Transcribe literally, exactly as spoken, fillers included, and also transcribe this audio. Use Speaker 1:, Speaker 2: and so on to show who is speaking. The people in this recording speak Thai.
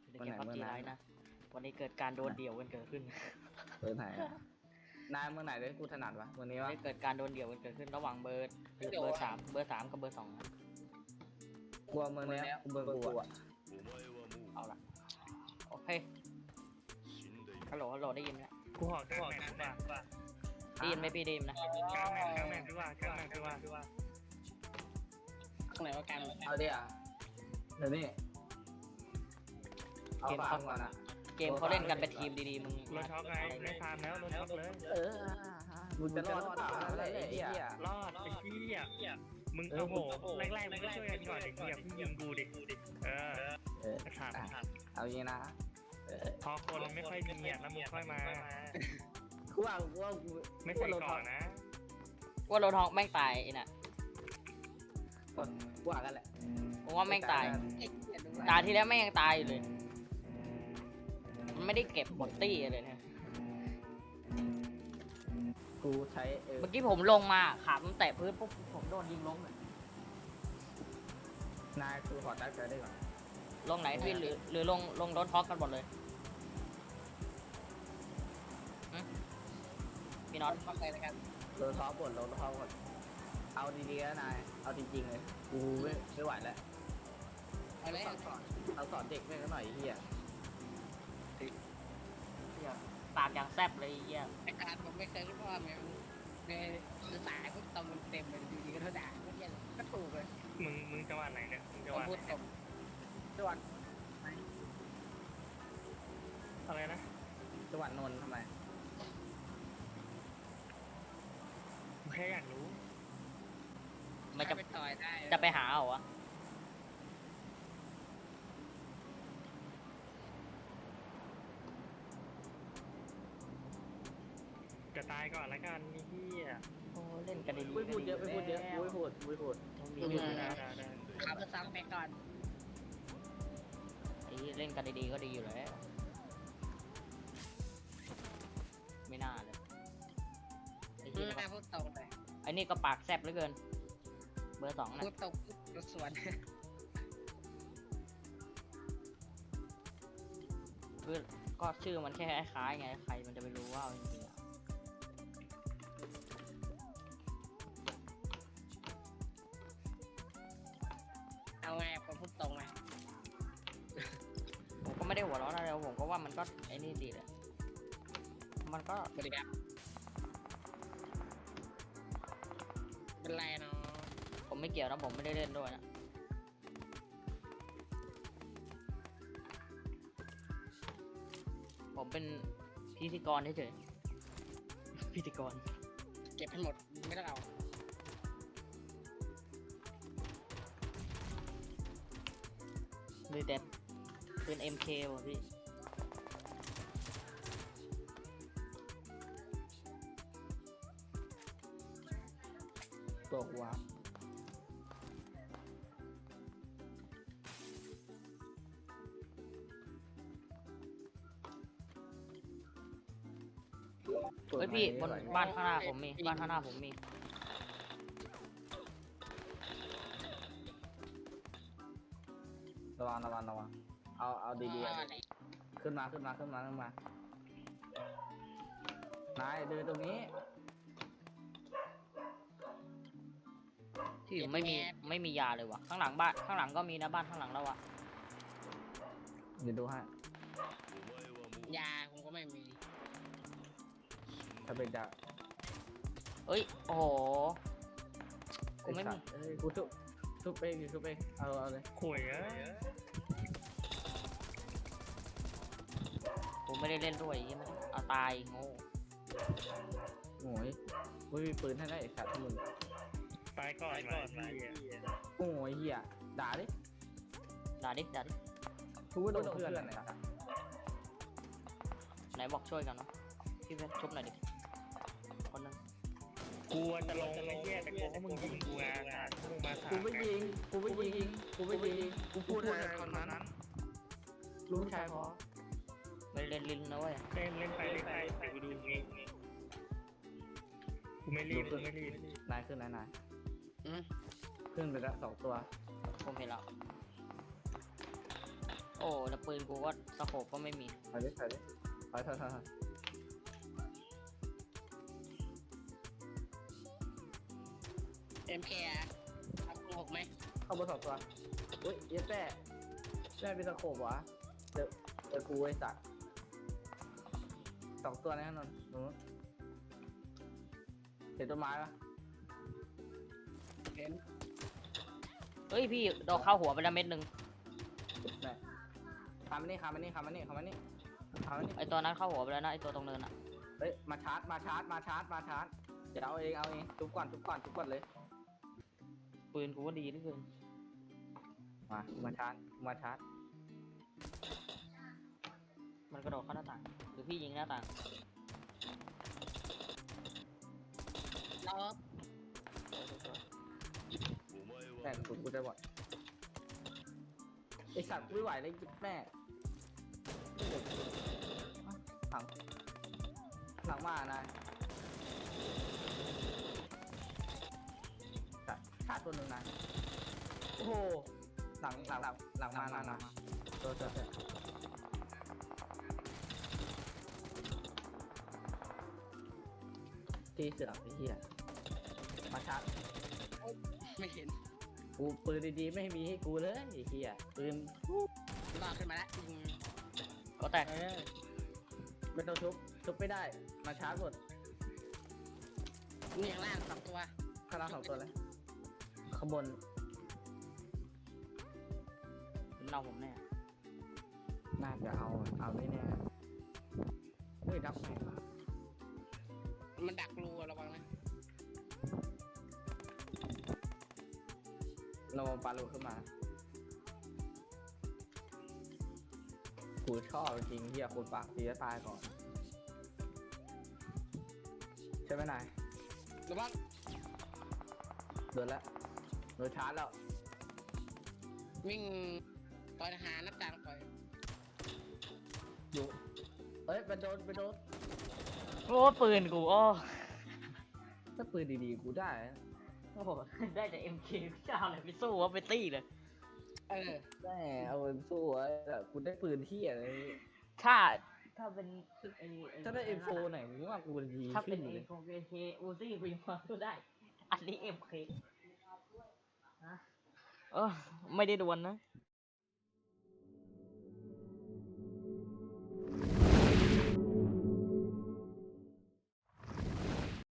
Speaker 1: ในเกมพับจีไลน์นะวันนี้เกิดการโดนเดี่ยวกันเกิดขึ้น
Speaker 2: เบอร์ไหนอะนายเมื่อไหนได้กูถนัดวะวันนี้วะ
Speaker 1: ได้เกิดการโดนเดี่ยวกันเกิดขึ้นระหว่างเบอร์เบอร์สามเบอร์สามกับเบอร์สองนะ
Speaker 2: กลัวเมื่อนี้กูเบอร์กูอะ
Speaker 1: เอาละโอเคฮัลโหลฮัลโหลได้ยินไหม
Speaker 3: กูหอกกลางแมปดีกว่า
Speaker 1: ได้ยินไหมพี่ได้ยินนะ
Speaker 3: กลางแมปกลางแมปดีกว่ากลางแมปดีกว่า
Speaker 4: ตรงไหนว่ากลาง
Speaker 2: เอาดิอ่ะเดี๋ยวนี้เอาฟังก่อนอะ
Speaker 1: เกมเขาเล่นกันเป็นทีมดีๆมึง
Speaker 3: รถช็อกไงไม่พามแล้วรถช็อกเลย
Speaker 2: เออมึงจะรอดหรือเปล่าอะไรไอ้เหี้ย
Speaker 3: รอดไอ้เหี้ยมึงโอ้โหแรกๆมึงก็ช่วยกันก่อนไอ้เหี้ยเพิ่งยิงกูดิเออ
Speaker 2: เออ
Speaker 3: ขาด
Speaker 2: เอาอย่างนี้นะ
Speaker 3: พอคนไม่ค่อยมีอ่ะแล้วมึงค่อยมา
Speaker 2: กูว่ากูว่ากู
Speaker 3: ไม่ใส่ก่อนนะ
Speaker 1: ว่าโรทองแม่งตายไอ้น่ะ
Speaker 2: คนกูว่ากันแหละ
Speaker 1: ผมว่าแม่งตายตาที่แล้วแม่งยังตายอยู่เลยมันไม่ได้เก็บบอตตี้เลยนะ
Speaker 2: กูใช้เออ
Speaker 1: เมื่อกี้ผมลงมาขาผมแตะพื้นปุ๊บผมโดนยิงล้มเลย
Speaker 2: นายคือขอตั้งใจได้ก่อน
Speaker 1: ลงไหนพี่หรือหรือลงลงรถท็อกกันหมดเลยหึพี่น็อต
Speaker 4: เข้าใจแล้วกัน
Speaker 2: โดนท้อบดโดนท้อบดเอาดีๆนะนายเอาจริงๆเลยกูไม่ไม่ไหวแล้ว
Speaker 4: เอาเลย
Speaker 2: เราสอนเราสอนเด็กไม่กันหน่อยไอ้เฮีย
Speaker 1: ปากอย่างแซบเลยไอ้เหี้ย
Speaker 4: แต่การผมไม่เคยรู้ว่ามันในสายพวกตอมมันเต็มเลยอยู่ดีก็เท่าด่าก็เหี้ยก็ถูกเลย
Speaker 3: มึงมึงจังหวัดไหนเนี่ยมึงจัง
Speaker 4: ผ
Speaker 3: ห
Speaker 4: ม
Speaker 3: วัด
Speaker 4: พูดตรง
Speaker 2: จังหวัด
Speaker 3: อะไรนะ
Speaker 2: จังหวัดนนท์ทำไม
Speaker 3: กูแค่อยากรู้
Speaker 1: มันจะ
Speaker 4: ไปต่อยได้
Speaker 1: จะไปหาเอาวะ
Speaker 3: จะตายก่อนละกันนี่เหี้ย
Speaker 1: โอ้เล่นกันดีๆ
Speaker 2: ไม่พูดเยอะไม่พูดเยอะไม่พูดไม่พูด
Speaker 1: ดีๆ
Speaker 3: ได้ได้ได้
Speaker 4: ขับรถซ้ำไปก่อน
Speaker 1: ไอ้เล่นกันดีๆก็ดีอยู่แล้ว ไม่น่าเลยไอ้
Speaker 4: พู
Speaker 1: ที่
Speaker 4: ดหน้าพูดตรงเลย
Speaker 1: ไอ้นี่ก็ปากแซบเหลือเกิน เบอร์สองนะ
Speaker 4: พูดตรงรถสวน
Speaker 1: คือก็ชื่อมันแค่คล้ายๆไงใครมันจะไปรู้ว่าเอาจริงๆอะ
Speaker 4: เอาไงผมพูดตรงไง
Speaker 1: ผมก็ไม่ได้หัวร้อนอะไรผมก็ว่ามันก็ไอ้นี่ดีแหละมันก็
Speaker 4: สวัสดีครับเป็นไรเนาะ
Speaker 1: ผมไม่เกี่ยวนะผมไม่ได้เล่นด้วยนะผมเป็นพิธีกรเฉยๆพิธีกร
Speaker 4: เก็บให้หมดไม่ต้องเอา
Speaker 1: เลยแต่เป็น เอ็ม เค ว่ะพี่
Speaker 2: ตัวกูวะ
Speaker 1: เฮ้ยพี่บนบ้านข้างหน้าผมมีบ้านข้างหน้าผมมี
Speaker 2: ระวังระวังระวังเอาเอาดีๆอะขึ้นมาขึ้นมาขึ้นมาขึ้นมานายเดินตรงนี้
Speaker 1: ที่ผมไม่มีไม่มียาเลยว่ะข้างหลังบ้านข้างหลังก็มีนะบ้านข้างหลังเราอะ
Speaker 2: เดี๋ยวดูให้
Speaker 4: ยาผมก็ไม่มี
Speaker 2: ถ้าเป็นจะ
Speaker 1: เอ้ยโอ้โหกูไม่มี
Speaker 2: เอ้ยกูทุบทุบเองทุบเองเอาเอาเลย
Speaker 3: ข่วยเอ้ย
Speaker 1: ผมไม่ได้เล่นด้วยยังไม่ได้เอาตายโง่
Speaker 2: โอ้ยไม่มีปืนให้ได้ไอ้สัตว์มึง
Speaker 3: ตายก่อนก่อนพี่
Speaker 2: โอ้ยเหี้ยด่าดิ
Speaker 1: ด่าดิด่าดิ
Speaker 2: กูก็โดนเพื่อนอะไรสัตว์
Speaker 1: ไหนบอกช่วยกันเนาะพี่เพชรชุบหน่อยดิคนหนึง
Speaker 3: กูจะลงไอ้เหี้ยแต่กูว่ามึงยิงกูอ่ะมึงมาถาม
Speaker 2: กูไม่ยิงกูไม่ยิงกูไม่ยิงกูพูดอะไรตอนนั้นรู้ชายพอ
Speaker 1: ไม่เล่นลิ้นนะเว้ย
Speaker 3: เล่นเล่นไปเล่นไปเดี๋ยวกูดูงี้กูไม่รีบกูไม่รีบ
Speaker 2: นายขึ้นนายนาย
Speaker 4: อืม
Speaker 2: ขึ้นไปแล้วสองตัว
Speaker 1: ผมเห็นแล้ว
Speaker 2: ส
Speaker 1: โอ้แล้วปืนกูก็สโคปก็ไม่มี
Speaker 2: ถอยดิถอยดิถอยถอยถอยถอย
Speaker 4: เอ็มเคเอาคูณหกไหม
Speaker 2: เข้าบนสองตัวอุ้ยเย็ดแม่แม่เป็นตะโขบวะเจอเจอกูไอ้สัตว์สองตัวนะนนท์หนูเห็นต้นไม้ปะ
Speaker 4: เห็น
Speaker 1: เฮ้ยพี่โดนเข้าหัวไปแล้วเม็ดหนึ่ง
Speaker 2: แม่คามานี่คามานี่คามานี่คามานี่คามานี่
Speaker 1: ไอตัวนั้นเข้าหัวไปแล้วนะไอตัวตรงเนินอะ
Speaker 2: เฮ้ยมาชาร์จมาชาร์จมาชาร์จมาชาร์จเดี๋ยวเอาเองเอาเองทุบก่อนทุบก่อนทุบก่อนเลย
Speaker 1: ปืนกูก็ดีเหลือเกิน
Speaker 2: มามาชาร์จมาชาร์จ
Speaker 1: มันกระโดดเข้าหน้าต่างหรือพี่ยิงหน้าต่าง
Speaker 4: รอ
Speaker 2: แม่กูกูจะหมดไอสัตว์กูไม่ไหวเลยแม่หลังหลังมานายชาร์จชาร์จตัวหนึ่งนายโอ้โหหลังหลังหลังหลังมาหลังมาตัวตัวตัวที่เสือกไอ้เหี้ยมาชาร์จ
Speaker 4: ไม่เห็น
Speaker 2: กูปืนดีๆไม่มีให้กูเลยไอ้เหี้ยปืน
Speaker 4: รอขึ้นมาแล้วยิง
Speaker 1: ก็แตก
Speaker 2: เออไม่ต้องชุบชุบไม่ได้มาชาร์จหมด
Speaker 4: นี่ข้างล่างสองตัว
Speaker 2: ข้างล่างสองตัวเลยข้างบน
Speaker 1: มันเอาผมแน่
Speaker 2: น่าจะเอาเอาไม่แน่เฮ้ยดับแม่ง
Speaker 4: มันดักรูอะระวังนะ
Speaker 2: เราปาลูกขึ้นมากูชอบจริงเฮียคนปากตีจะตายก่อน ใช่ไหมนาย
Speaker 4: ระวัง
Speaker 2: โดนแล้วโดนชาร์จแล้ว
Speaker 4: วิ่งต่อยทหารนับจางต่อย
Speaker 2: อยู่เอ้ยไปโดนไปโดน
Speaker 1: โอ้ปืนกูโอ้
Speaker 2: ถ้าปืนดีๆกูได้นะ
Speaker 1: โอ้โหได้แต่ เอ็ม เค จะเอาอะไรไปสู้วะไปตี้เลย
Speaker 4: เออ
Speaker 2: ได้เอาไปสู้ไว้แต่กูได้ปืนที่อะไร
Speaker 1: ถ้าถ้าเป็นไอ้ไ
Speaker 2: ถ้าได้เอ็มโฟไหนมึงว่ากูดี
Speaker 1: ถ้าเป็
Speaker 2: ขึ้
Speaker 1: น
Speaker 2: น
Speaker 1: เอ
Speaker 2: เลย
Speaker 1: โฟเเคอูซี่กูยังพอสู้ได้ อันนี้ เอ็ม เค ฮะเออไม่ได้ดวลนะ